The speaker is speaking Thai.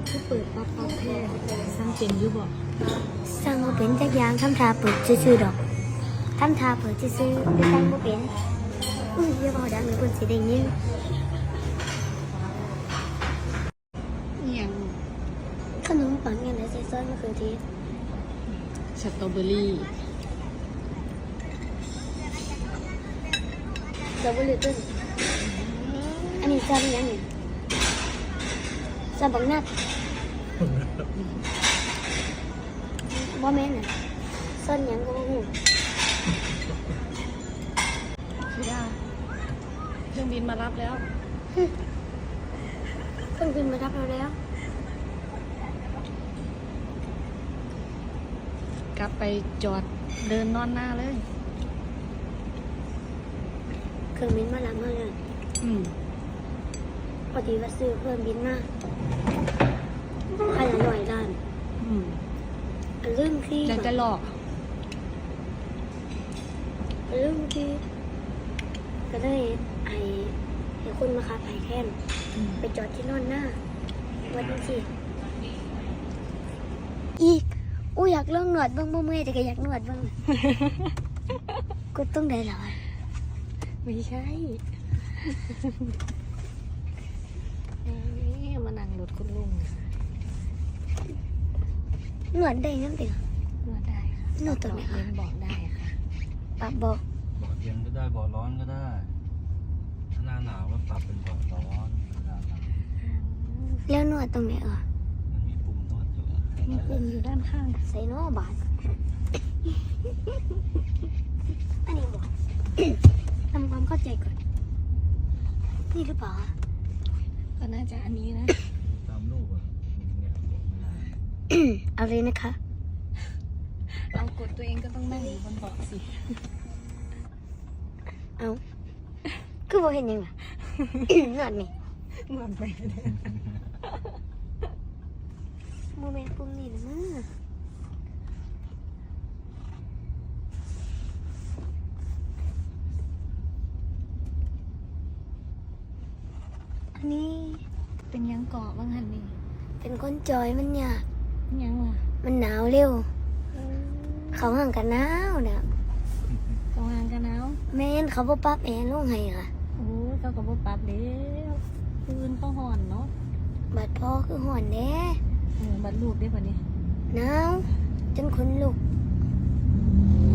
คือเปิดปั๊บปั๊บแท้สร้างเป็นอยู่บ่สร้างบ่เป็นจักอย่างทำทาเปิดซื่อๆดอกทำทาเปิดซื่อๆแต่สร้างบ่เป็นอย่าบอกดังหรือคนสิได้ยินอย่างขนมปังอย่างไรใส่ซอสมะเขือเทศสตรอเบอรี่เราบ่รู้ต้นอันนี้ซอสยังไงซอสบักนัดบ่แม่นน่ะซอสหยังก็บ่ฮู้พี่ดาเครื่องบินมารับแล้วเครื่องบินมารับเราแล้วกลับไปจอดเดินนอนหน้าเลยเครื่องบินมารับเราเลย พอดีว่าซื้อเครื่องบินมาคันละ100 ล้าน ลืมที่แล้วจะหลอกลืมที่ก็เลยให้คนมาขับไผ่แค้นไปจอดที่นอนหน้าวันนี้สิอีกอู้อยากลองหนวดบ้างบ่เมื่อยแต่ก็อยากหนวดบ้าง ก็ต้องได้หรอไม่ใช่นี่มานั่งรถคุณลุงหนวดได้นั่นตินวดได้ค่ะนวดตรงไหนคะเย็นบอกได้ค่ะปรับบอกเบาะเย็นก็ได้เบาะร้อนก็ได้ถ้าหน้าหนาวก็ปรับเป็นเบาะร้อนเวลาหนาวแล้วนวดตรงไหนอ่ะมันมีปุ่มนวดอยู่มีปุ่มอยู่ด้านข้างใส่นอบาท อันนี้บอก ทำความเข้าใจก่อน นี่หรือเปล่าก็น่าจะอันนี้นะตามรูปอ่ะเนี่ยบอกไม่ได้เอาเลยนะคะเรากดตัวเองก็ต้องนั่งอยู่บนเบาะสิเอาคือบ่เห็นยังล่ะ นวดนี่นวดไปเลยโมเมนต์ปุ่มนี่นะมั้งอันนี้เป็นยังเกาะบ้างหันนี่เป็นคนจอยมันยากยังวะมันหนาวเร็ว เขาห่างกันหนาวนะกำลังกันหนาวแม่นเขาบ่ปรับแอร์ลงให้ค่ะโอ้ยเขาก็บ่ปรับเด้วปืนเขาห่อนเนาะบัดพ่อคือห่อนแน่บัดลูกได้ป่ะนี่หนาวจนขนลุก